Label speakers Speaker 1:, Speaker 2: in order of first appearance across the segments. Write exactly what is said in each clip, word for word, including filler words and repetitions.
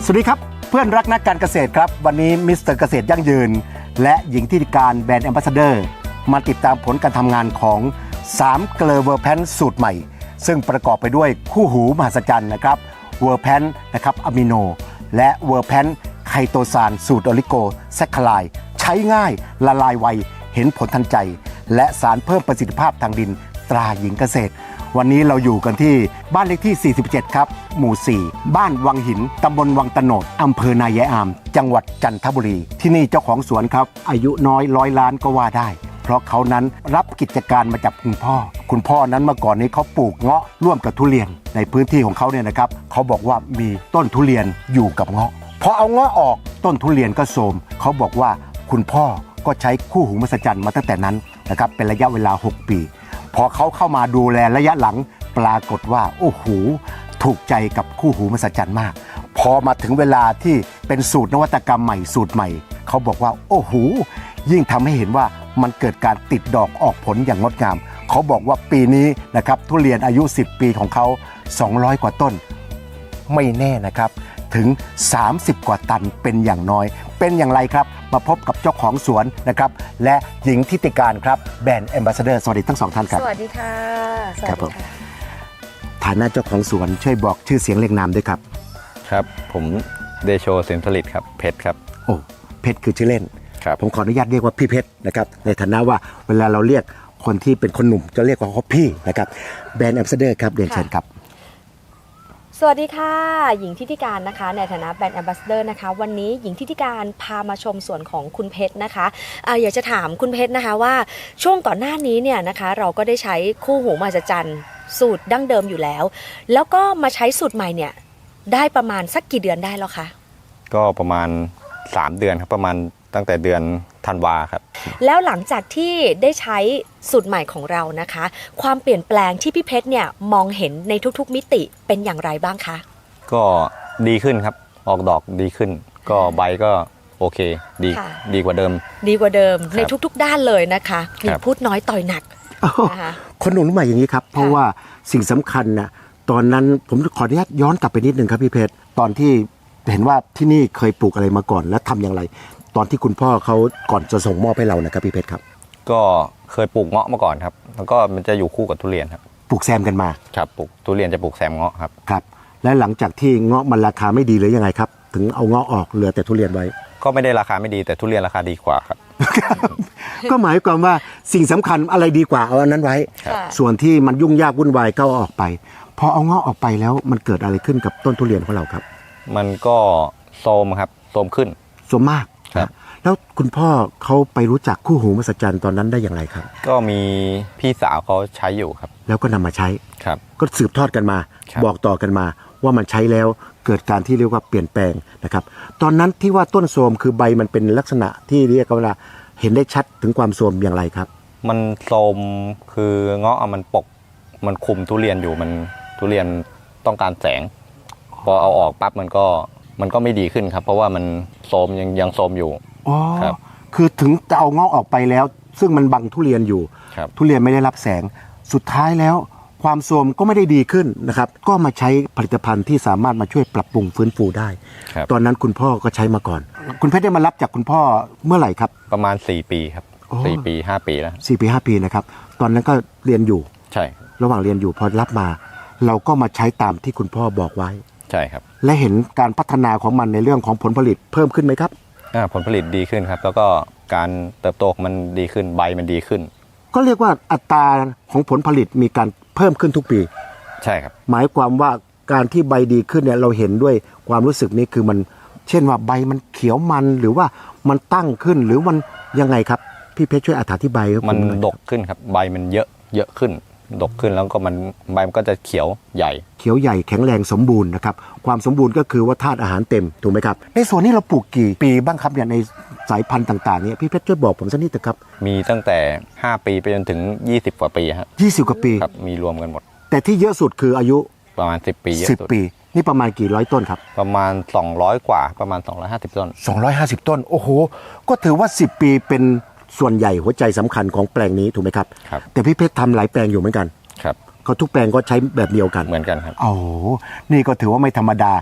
Speaker 1: สวัสดีครับเพื่อนรักนักการเกษตรครับวันนี้มิสเตอร์เกษตรยั่งยืนและหญิงที่การแบรนด์แอมบาสเดอร์มาติดตามผลการทำงานของสามเกลอเวอร์แพนสูตรใหม่ซึ่งประกอบไปด้วยคู่หูมหัศจรรย์นะครับเวอร์แพนนะครับอะมิโนและเวอร์แพนไคโตซานสูตรโอลิโกแซคคลายใช้ง่ายละลายไวเห็นผลทันใจและสารเพิ่มประสิทธิภาพทางดินตราหญิงเกษตรวันนี้เราอยู่กันที่บ้านเลขที่สี่สิบเจ็ดครับหมู่สี่บ้านวังหินตำบลวังตะโนดอำเภอนายายอามจังหวัดจันทบุรีที่นี่เจ้าของสวนครับอายุน้อยร้อยล้านก็ว่าได้เพราะเขานั้นรับกิจการมาจากคุณพ่อคุณพ่อนั้นเมื่อก่อนนี้เขาปลูกเงาะร่วมกับทุเรียนในพื้นที่ของเขาเนี่ยนะครับเขาบอกว่ามีต้นทุเรียนอยู่กับเงาะพอเอาเงาะออกต้นทุเรียนก็โทรมเขาบอกว่าคุณพ่อก็ใช้คู่หูมหัศจรรย์มาตั้งแต่นั้นนะครับเป็นระยะเวลาหกปีพอเขาเข้ามาดูแลระยะหลังปรากฏว่าโอ้โหถูกใจกับคู่หูมหัศจรรย์มากพอมาถึงเวลาที่เป็นสูตรนวัตกรรมใหม่สูตรใหม่เขาบอกว่าโอ้โหยิ่งทำให้เห็นว่ามันเกิดการติดดอกออกผลอย่างงดงามเขาบอกว่าปีนี้นะครับทุเรียนอายุสิบปีของเขาสองร้อยกว่าต้นไม่แน่นะครับถึงสามสิบกว่าตันเป็นอย่างน้อยเป็นอย่างไรครับมาพบกับเจ้าของสวนนะครับและหญิงทิติการครับแบรนด์แอมบาสเดอร์สวัสดีทั้งสองท่านครับ
Speaker 2: สวัสดีค่ะสวัสดีค่ะ
Speaker 1: ฐานะเจ้าของสวนช่วยบอกชื่อเสียงเรียงนามด้วยครับ
Speaker 3: ครับผมเดโชสินผลิตครับเพชรครับ
Speaker 1: โอ้เพชรคือชื่อเล่น
Speaker 3: ครับ
Speaker 1: ผมขออนุญาตเรียกว่าพี่เพชรนะครับในฐานะว่าเวลาเราเรียกคนที่เป็นคนหนุ่มจะเรียกว่าเขาพี่นะครับแบรนด์แอมบาสเดอร์ครับเรียนเชิญครับ
Speaker 2: สวัสดีค่ะหญิงทิติการนะคะในฐานะแบรนด์แอมบาสเดอร์นะคะวันนี้หญิงทิติการพามาชมสวนของคุณเพชรนะคะอ่าอยากจะถามคุณเพชรนะคะว่าช่วงก่อนหน้านี้เนี่ยนะคะเราก็ได้ใช้คู่หูมหัศจรรย์สูตรดั้งเดิมอยู่แล้วแล้วก็มาใช้สูตรใหม่เนี่ยได้ประมาณสักกี่เดือนได้แล้วคะ
Speaker 3: ก็ประมาณสามเดือนครับประมาณตั้งแต่เดือนธันวาครับ
Speaker 2: แล้วหลังจากที่ได้ใช้สูตรใหม่ของเรานะคะความเปลี่ยนแปลงที่พี่เพชรเนี่ยมองเห็นในทุกๆมิติเป็นอย่างไรบ้างคะ
Speaker 3: ก็ดีขึ้นครับออกดอกดีขึ้นก็ใบก็โอเคดีดีกว่าเดิม
Speaker 2: ดีกว่าเดิมในทุกๆด้านเลยนะคะมีพูดน้อยต่อยหนัก
Speaker 1: นะคะคนหนุ่มใหม่อย่างนี้ครับเพราะว่าสิ่งสำคัญนะตอนนั้นผมขออนุญาตย้อนกลับไปนิดนึงครับพี่เพชรตอนที่เห็นว่าที่นี่เคยปลูกอะไรมาก่อนและทำอย่างไรตอนที่คุณพ่อเขาก่อนจะส่งมอบให้เรานะครับพี่เพชรครับ
Speaker 3: ก็เคยปลูกเงาะมาก่อนครับแล้วก็มันจะอยู่คู่กับทุเรียนครับ
Speaker 1: ปลูกแซมกันมา
Speaker 3: ครับปลูกทุเรียนจะปลูกแซมเงาะครับ
Speaker 1: ครับและหลังจากที่เงาะมันราคาไม่ดีหรือยังไงครับถึงเอาเงาะออกเหลือแต่ทุเรียนไว้
Speaker 3: ก็ไม่ได้ราคาไม่ดีแต่ทุเรียนราคาดีกว่าครับ
Speaker 1: ก็หมายความว่าสิ่งสำคัญอะไรดีกว่าเอาอันนั้นไว้ส่วนที่มันยุ่งยากวุ่นวายก็เอาออกไปพอเอาเงาะออกไปแล้วมันเกิดอะไรขึ้นกับต้นทุเรียนของเราครับ
Speaker 3: มันก็โทรมครับโทรมขึ้น
Speaker 1: โทรมมากครับแล้วคุณพ่อเขาไปรู้จักคู่หูมหัศจรรย์ตอนนั้นได้อย่างไรครับ
Speaker 3: ก็มีพี่สาวเขาใช้อยู่ครับ
Speaker 1: แล้วก็นำมาใช้
Speaker 3: ครับ
Speaker 1: ก็สืบทอดกันมาบอกต่อกันมาว่ามันใช้แล้วเกิดการที่เรียกว่าเปลี่ยนแปลงนะครับตอนนั้นที่ว่าต้นโทรมคือใบมันเป็นลักษณะที่เรียกว่าเห็นได้ชัดถึงความโทรมอย่างไรครับ
Speaker 3: มันโทรมคือเงาะมันปกมันคุมทุเรียนอยู่มันทุเรียนต้องการแสงพอเอาออกปั๊บมันก็มันก็ไม่ดีขึ้นครับเพราะว่ามันโทรมยังยังโทรมอยู่
Speaker 1: อ๋อครับคือถึงจะเอาเงาะออกไปแล้วซึ่งมันบังทุเรียนอยู่ทุเรียนไม่ได้รับแสงสุดท้ายแล้วความโทรมก็ไม่ได้ดีขึ้นนะครับก็มาใช้ผลิตภัณฑ์ที่สามารถมาช่วยปรับปรุงฟื้นฟูได้ตอนนั้นคุณพ่อก็ใช้มาก่อนคุณเพชรได้มารับจากคุณพ่อเมื่อไหร่ครับ
Speaker 3: ประมาณสี่ปีครับสี่ปีห้าปีแล้ว
Speaker 1: สี่ปีห้าปีนะครับตอนนั้นก็เรียนอยู่
Speaker 3: ใช่
Speaker 1: ระหว่างเรียนอยู่พอรับมาเราก็มาใช้ตามที่คุณพ่อบอกไว้
Speaker 3: ใช่ครับ
Speaker 1: และเห็นการพัฒนาของมันในเรื่องของผลผลิตเพิ่มขึ้นไหมครับ
Speaker 3: ผลผลิตดีขึ้นครับแล้วก็การเติบโตมันดีขึ้นใบมันดีขึ้น
Speaker 1: ก็เรียกว่าอัตราของผลผลิตมีการเพิ่มขึ้นทุกปี
Speaker 3: ใช่ครับ
Speaker 1: หมายความว่าการที่ใบดีขึ้นเนี่ยเราเห็นด้วยความรู้สึกนี้คือมันเช่นว่าใบมันเขียวมันหรือว่ามันตั้งขึ้นหรือมันยังไงครับพี่เพชรช่วยอธิบาย
Speaker 3: มันดกขึ้นครับใบมันเยอะเยอะขึ้นดกขึ้นแล้วก็มันใบมันก็จะเขียวใหญ่
Speaker 1: เขียวใหญ่แข็งแรงสมบูรณ์นะครับความสมบูรณ์ก็คือว่าธาตุอาหารเต็มถูกไหมครับในส่วนนี้เราปลูกกี่ปีบ้างครับเนี่ยในสายพันธุ์ต่างๆเนี่ยพี่เพชรช่วยบอกผมสักนิดเถอะครับ
Speaker 3: มีตั้งแต่ห้าปีไปจนถึงยี่สิบกว่าปีครับ
Speaker 1: ยี่สิบกว่าปี
Speaker 3: ครับมีรวมกันหมด
Speaker 1: แต่ที่เยอะสุดคืออายุ
Speaker 3: ประมาณสิบปี
Speaker 1: สิบปีนี่ประมาณกี่ร้อยต้นครับ
Speaker 3: ประมาณสองร้อยกว่าประมาณสองร้อยห้าสิบต้น
Speaker 1: สองร้อยห้าสิบต้นโอ้โหก็ถือว่าสิบปีเป็นส่วนใหญ่หัวใจสำคัญของแปลงนี้ถูกไหมครับ
Speaker 3: ครับ
Speaker 1: แต่พี่เพชรทำหลายแปลงอยู่เหมือนกัน
Speaker 3: ครับ
Speaker 1: ก็ทุกแปลงก็ใช้แบบเดียวกัน
Speaker 3: เหมือนกันครับ
Speaker 1: โอ้นี่ก็ถือว่าไม่ธรรมดา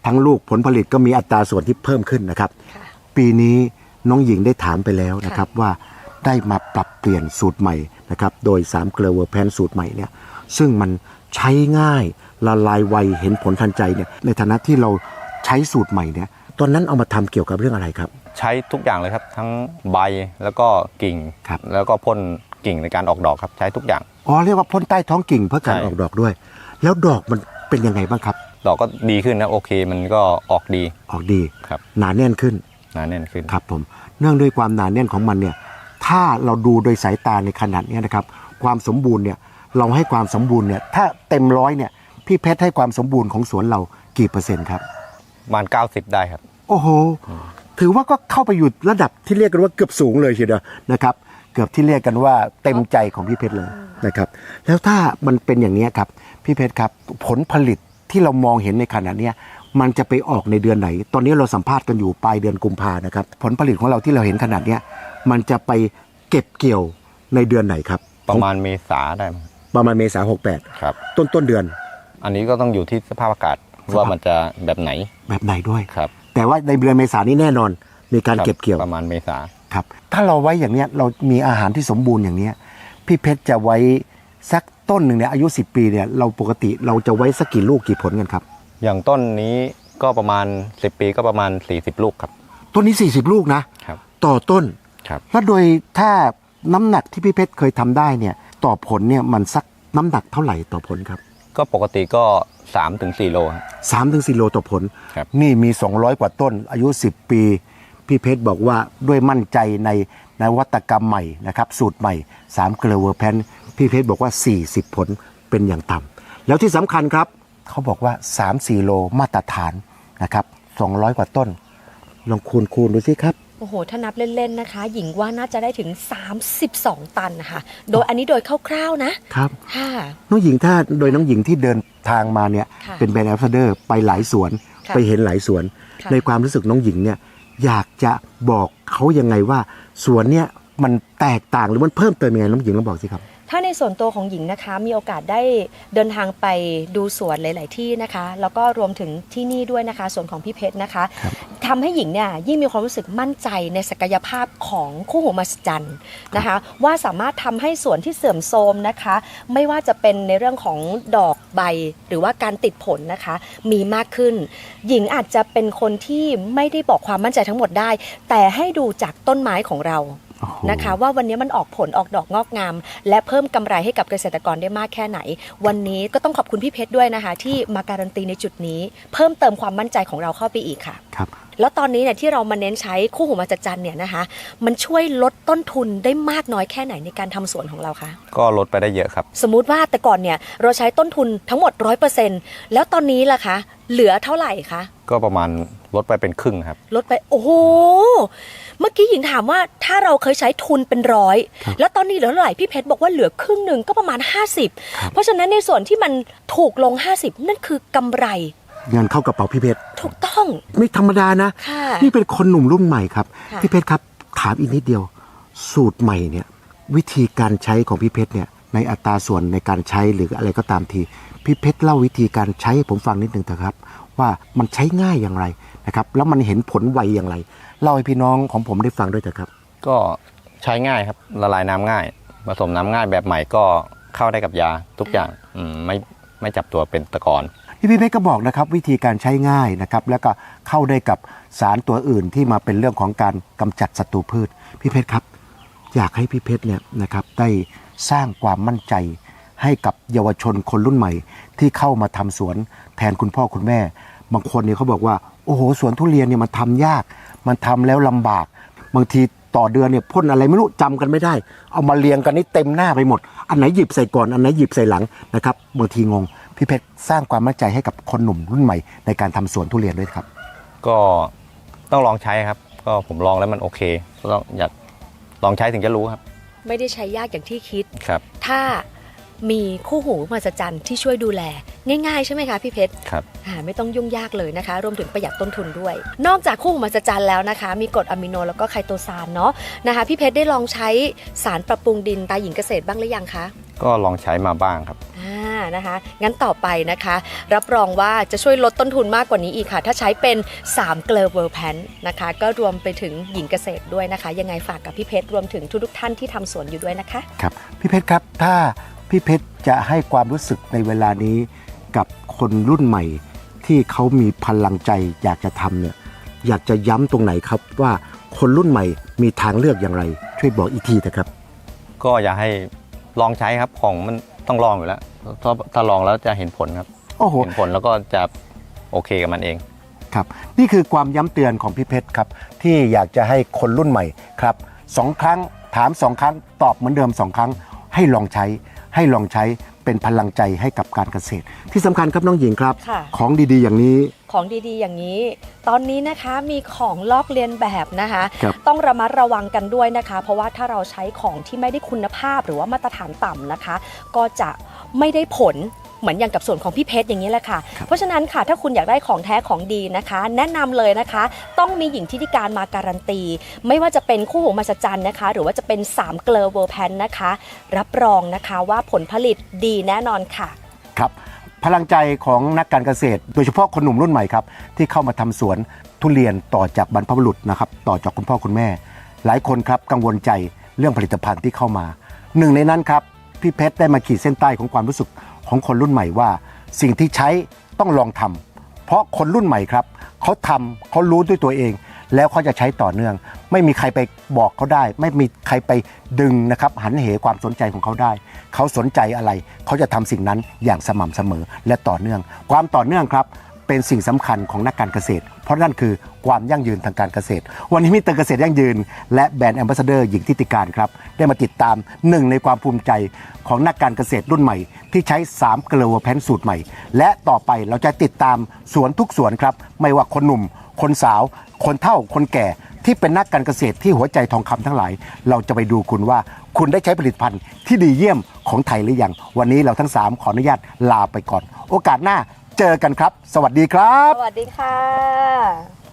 Speaker 1: ทั้งลูกผลผลิตก็มีอัตราส่วนที่เพิ่มขึ้นนะครับ
Speaker 2: ค่ะ
Speaker 1: ปีนี้น้องหญิงได้ถามไปแล้วนะครับว่าได้มาปรับเปลี่ยนสูตรใหม่นะครับโดยสามเกลือเวอร์แพนสูตรใหม่เนี่ยซึ่งมันใช้ง่ายละลายไวเห็นผลทันใจเนี่ยในฐานะที่เราใช้สูตรใหม่เนี่ยตอนนั้นเอามาทำเกี่ยวกับเรื่องอะไรครับ
Speaker 3: ใช้ทุกอย่างเลยครับ ทั้งใบแล้วก็กิ่ง
Speaker 1: ครับ
Speaker 3: แล้วก็พ่นกิ่งในการออกดอกครับใช้ทุกอย่าง
Speaker 1: อ๋อเรียกว่าพ่นใต้ท้องกิ่งเพื่อการ
Speaker 3: ใช่
Speaker 1: ออกดอกด้วย แล้วดอกมันเป็นยังไงบ้างครับ
Speaker 3: ดอกก็ดีขึ้นนะโอเคมันก็ออกดี
Speaker 1: ออกดี
Speaker 3: ครับ
Speaker 1: หนาแน่นขึ้น
Speaker 3: หนาแน่นขึ้น
Speaker 1: ครับผมเนื่องด้วยความหนาแน่นของมันเนี่ยถ้าเราดูโดยสายตาในขนาดเนี้ยนะครับความสมบูรณ์เนี่ยเราให้ความสมบูรณ์เนี่ยถ้าเต็มร้อยเนี่ยพี่เพชรให้ความสมบูรณ์ของสวนเรากี่เปอร์เซ็นต์ครับ
Speaker 3: ประมาณเก้าสิบได้ครับ
Speaker 1: โอ้โหถือว่าก็เข้าไปอยู่ระดับที่เรียกกันว่าเกือบสูงเลยทีเดียวนะครับเกือบที่เรียกกันว่าเต็มใจของพี่เพชรเลยนะครับแล้วถ้ามันเป็นอย่างนี้ครับพี่เพชรครับผลผลิตที่เรามองเห็นในขณะเนี้ยมันจะไปออกในเดือนไหน ตอนนี้เราสัมภาษณ์กันอยู่ปลายเดือนกุมภานะครับผลผลิตของเราที่เราเห็นขนาดเนี้ยมันจะไปเก็บเกี่ยวในเดือนไหนครับ
Speaker 3: ประมาณเมษาได้มั้ง
Speaker 1: ประมาณเมษาหกแปด
Speaker 3: ครับ
Speaker 1: ต้นต้นเดือน
Speaker 3: อันนี้ก็ต้องอยู่ที่สภาพอากาศว่ามันจะแบบไหน
Speaker 1: แบบไหนด้วย
Speaker 3: ครับ
Speaker 1: แต่ว่าในเดือนเมษานี้แน่นอนมีการ
Speaker 3: ครับ
Speaker 1: เก็บเกี่ยว
Speaker 3: ประมาณเมษา
Speaker 1: ครับถ้าเราไว้อย่างเนี้ยเรามีอาหารที่สมบูรณ์อย่างเนี้ยพี่เพชรจะไว้สักต้นหนึ่งเนี่ยอายุสิบปีเนี่ยเราปกติเราจะไว้สักกี่ลูกกี่ผลกันครับ
Speaker 3: อย่างต้นนี้ก็ประมาณสิบปีก็ประมาณสี่สิบลูกครับ
Speaker 1: ต้นนี้สี่สิบลูกนะครับ ต่อต้น
Speaker 3: ครับ
Speaker 1: แล้วโดยถ้าน้ำหนักที่พี่เพชรเคยทำได้เนี่ยต่อผลเนี่ยมันสักน้ำหนักเท่าไหร่ต่อผลครับ
Speaker 3: ก็ปกติก็สามถึงสี่โลครับ
Speaker 1: สามถึงสี่โลต่อผล
Speaker 3: ครับ
Speaker 1: นี่มีสองร้อยกว่าต้นอายุสิบปีพี่เพชรบอกว่าด้วยมั่นใจในนวัตกรรมใหม่นะครับสูตรใหม่สามเกลือเวอร์แพนพี่เพชรบอกว่าสี่สิบผลเป็นอย่างต่ำแล้วที่สำคัญครับเขาบอกว่าสามสี่โลมาตรฐานนะครับสองร้อยกว่าต้นลองคูณคูณดูสิครับ
Speaker 2: โอ้โหถ้านับเล่นๆนะคะ หญิงว่าน่าจะได้ถึงสามสิบสองตันนะคะโดยอันนี้โดยคร่าวๆนะครับ ค่ะ
Speaker 1: น้องหญิงถ้าโดยน้องหญิงที่เดินทางมาเนี่ย
Speaker 2: ค่ะ
Speaker 1: เป็นแบรนด์แอมบาสเดอร์ไปหลายสวน
Speaker 2: ค่ะ
Speaker 1: ไปเห็นหลายสวน
Speaker 2: ค่ะ
Speaker 1: ในความรู้สึกน้องหญิงเนี่ยอยากจะบอกเขายังไงว่าสวนเนี่ยมันแตกต่างหรือมันเพิ่มเติมยังไงน้องหญิงลองบอกสิครับ
Speaker 2: ถ้าในส่วนตัวของหญิงนะคะ มีโอกาสได้เดินทางไปดูสวนหลาย ๆ ที่นะคะ แล้วก็รวมถึงที่นี่ด้วยนะคะส่วนของพี่เพชรนะคะ
Speaker 1: ครับ
Speaker 2: ทำให้หญิงเนี่ยยิ่งมีความรู้สึกมั่นใจในศักยภาพของคู่หูมหัศจรรย์นะคะ ว่าสามารถทำให้สวนที่เสื่อมโทรมนะคะ ไม่ว่าจะเป็นในเรื่องของดอกใบหรือว่าการติดผลนะคะ มีมากขึ้น หญิงอาจจะเป็นคนที่ไม่ได้บอกความมั่นใจทั้งหมดได้ แต่ให้ดูจากต้นไม้ของเรา
Speaker 1: โอ้โห
Speaker 2: นะคะว่าวันนี้มันออกผลออกดอกงอกงาม และเพิ่มกำไรให้กับเกษตรกรได้มากแค่ไหน วันนี้ก็ต้องขอบคุณพี่เพชรด้วยนะคะ ที่มาการันตีในจุดนี้ เพิ่มเติมความมั่นใจของเราเข้าไปอีกค่ะ
Speaker 1: ครับ
Speaker 2: แล้วตอนนี้เนี่ยที่เรามาเน้นใช้คู่หูมหัศจรรย์เนี่ยนะคะ มันช่วยลดต้นทุนได้มากน้อยแค่ไหนในการทำสวนของเราคะ
Speaker 3: ก็ลดไปได้เยอะครับ
Speaker 2: สมมุติว่าแต่ก่อนเนี่ยเราใช้ต้นทุนทั้งหมด ร้อยเปอร์เซ็นต์ แล้วตอนนี้ล่ะคะเหลือเท่าไหร่คะ
Speaker 3: ก็ประมาณลดไปเป็นครึ่งครับ
Speaker 2: ลดไปโอ้โหเมื่อกี้หญิงถามว่าถ้าเราเคยใช้ทุนเป็นร้อย
Speaker 1: ครับ
Speaker 2: แล้วตอนนี้เหลือเท่าไหร่พี่เพชรบอกว่าเหลือครึ่งหนึ่งก็ประมาณห้าสิบ
Speaker 1: ครับ
Speaker 2: เพราะฉะนั้นในส่วนที่มันถูกลงห้าสิบนั่นคือกำไร
Speaker 1: เงินเข้ากระเป๋าพี่เพชร
Speaker 2: ถูกต้อง
Speaker 1: ไม่ธรรมดานะ
Speaker 2: ค่ะ
Speaker 1: นี่เป็นคนหนุ่มรุ่นใหม่ครับ
Speaker 2: ค่ะ
Speaker 1: พี่เพชรครับถามอีกนิดเดียว สูตรใหม่เนี่ยวิธีการใช้ของพี่เพชรเนี่ยในอัตราส่วนในการใช้หรืออะไรก็ตามทีพี่เพชรเล่าวิธีการใช้ให้ผมฟังนิดหนึ่งเถอะครับ ว่ามันใช้ง่ายอย่างไรนะครับแล้วมันเห็นผลไวอย่างไรเล่าให้พี่น้องของผมได้ฟังด้วยเถอะครับ
Speaker 3: ก็ใช้ง่ายครับละลายน้ำง่าย ผสมน้ำง่ายแบบใหม่ก็เข้าได้กับยาทุกอย่างอืมไม่ไม่จับตัวเป็นตะกอน
Speaker 1: ที่พี่เพชรก็บอกนะครับวิธีการใช้ง่ายนะครับแล้วก็เข้าได้กับสารตัวอื่นที่มาเป็นเรื่องของการกำจัดศัตรูพืชพี่เพชรครับ อยากให้พี่เพชรเนี่ยนะครับได้สร้างความมั่นใจให้กับเยาวชนคนรุ่นใหม่ ที่เข้ามาทำสวนแทนคุณพ่อคุณแม่ บางคนเนี่ยเขาบอกว่าโอ้โหสวนทุเรียนเนี่ยมันทำยาก มันทำแล้วลำบาก บางทีต่อเดือนเนี่ยพ่นอะไรไม่รู้จำกันไม่ได้ เอามาเรียงกันนี่เต็มหน้าไปหมด อันไหนหยิบใส่ก่อนอันไหนหยิบใส่หลังนะครับบางทีงงพี่เพชรสร้างความมั่นใจให้กับคนหนุ่มรุ่นใหม่ในการทำสวนทุเรียนด้วยครับ
Speaker 3: ก็ต้องลองใช้ครับ ก็ผมลองแล้วมันโอเคก็ต้องอยากลองใช้ถึงจะรู้ครับ
Speaker 2: ไม่ได้ใช้ยากอย่างที่คิด
Speaker 3: ครับ
Speaker 2: ถ้ามีคู่หูมหัศจรรย์ที่ช่วยดูแลง่ายๆใช่ไหมคะพี่เพชร
Speaker 3: ครับ
Speaker 2: อ่าไม่ต้องยุ่งยากเลยนะคะ รวมถึงประหยัดต้นทุนด้วย นอกจากคู่หูมหัศจรรย์แล้วนะคะ มีกรดอะมิโนแล้วก็ไคโตซานเนาะนะคะพี่เพชรได้ลองใช้สารปรับปรุงดินตาหญิงเกษตรบ้างหรือยังคะ
Speaker 3: ก็ลองใช้มาบ้างครับ
Speaker 2: อ่านะคะงั้นต่อไปนะคะรับรองว่าจะช่วยลดต้นทุนมากกว่านี้อีกค่ะถ้าใช้เป็นสามเกลอเวอร์แพนนะคะก็รวมไปถึงหญิงเกษตรด้วยนะคะยังไงฝากกับพี่เพชรรวมถึงทุกๆท่านที่ทำสวนอยู่ด้วยนะคะ
Speaker 1: ครับพี่เพชรครับถ้าพี่เพชรจะให้ความรู้สึกในเวลานี้กับคนรุ่นใหม่ที่เขามีพลังใจอยากจะทำเนี่ยอยากจะย้ำตรงไหนครับว่าคนรุ่นใหม่มีทางเลือกอย่างไรช่วยบอกอีกทีนะครับ
Speaker 3: ก็อย่าให้ลองใช้ครับของมันต้องลองอยู่แล้วถ้าถ้าลองแล้วจะเห็นผลครับ
Speaker 1: โอ้โห
Speaker 3: เห็นผลแล้วก็จะโอเคกับมันเอง
Speaker 1: ครับนี่คือความย้ำเตือนของพี่เพชรครับที่อยากจะให้คนรุ่นใหม่ครับสองครั้งถามสองครั้งตอบเหมือนเดิมสองครั้งให้ลองใช้ให้ลองใช้เป็นพลังใจให้กับการเกษตรที่สำคัญครับน้องหญิงครับของดีๆอย่างนี้
Speaker 2: ของดีๆอย่างนี้ตอนนี้นะคะมีของลอกเลียนแบบนะคะ
Speaker 1: ครับ
Speaker 2: ต้องระมัดระวังกันด้วยนะคะเพราะว่าถ้าเราใช้ของที่ไม่ได้คุณภาพหรือว่ามาตรฐานต่ำนะคะก็จะไม่ได้ผลเหมือนอย่างกับส่วนของพี่เพชรอย่างนี้แหละค่ะเพราะฉะนั้นค่ะถ้าคุณอยากได้ของแท้ของดีนะคะแนะนำเลยนะคะต้องมีหญิงทิติการมาการันตีไม่ว่าจะเป็นคู่หูมหัศจรรย์นะคะหรือว่าจะเป็นสามเกลอเวอร์แพนนะคะรับรองนะคะว่าผลผลิตดีแน่นอนค่ะ
Speaker 1: ครับพลังใจของนักการเกษตรโดยเฉพาะคนหนุ่มรุ่นใหม่ครับที่เข้ามาทำสวนทุเรียนต่อจากบรรพบุรุษนะครับต่อจากคุณพ่อคุณแม่หลายคนครับกังวลใจเรื่องผลิตภัณฑ์ที่เข้ามาหนึ่งในนั้นครับพี่เพชรได้มาขีดเส้นใต้ของความรู้สึกของคนรุ่นใหม่ว่าสิ่งที่ใช้ต้องลองทำเพราะคนรุ่นใหม่ครับเขาทำเขารู้ด้วยตัวเองแล้วเขาจะใช้ต่อเนื่องไม่มีใครไปบอกเขาได้ไม่มีใครไปดึงนะครับหันเหความสนใจของเขาได้เขาสนใจอะไรเขาจะทำสิ่งนั้นอย่างสม่ำเสมอและต่อเนื่องความต่อเนื่องครับเป็นสิ่งสำคัญของนักการเกษตรเพราะนั่นคือความยั่งยืนทางการเกษตรวันนี้มิสเตอร์เกษตรยั่งยืนและแบรนด์แอมบาสเดอร์หญิงทิติการครับได้มาติดตามหนึ่งในความภูมิใจของนักการเกษตรรุ่นใหม่ที่ใช้สามเกลอเวอร์แพนสูตรใหม่และต่อไปเราจะติดตามสวนทุกสวนครับไม่ว่าคนหนุ่มคนสาวคนเฒ่าคนแก่ที่เป็นนักการเกษตรที่หัวใจทองคำทั้งหลายเราจะไปดูคุณว่าคุณได้ใช้ผลิตภัณฑ์ที่ดีเยี่ยมของไทยหรือยังวันนี้เราทั้งสามขออนุญาตลาไปก่อนโอกาสหน้าเจอกันครับสวัสดีครับ
Speaker 2: สวัสดีค่ะ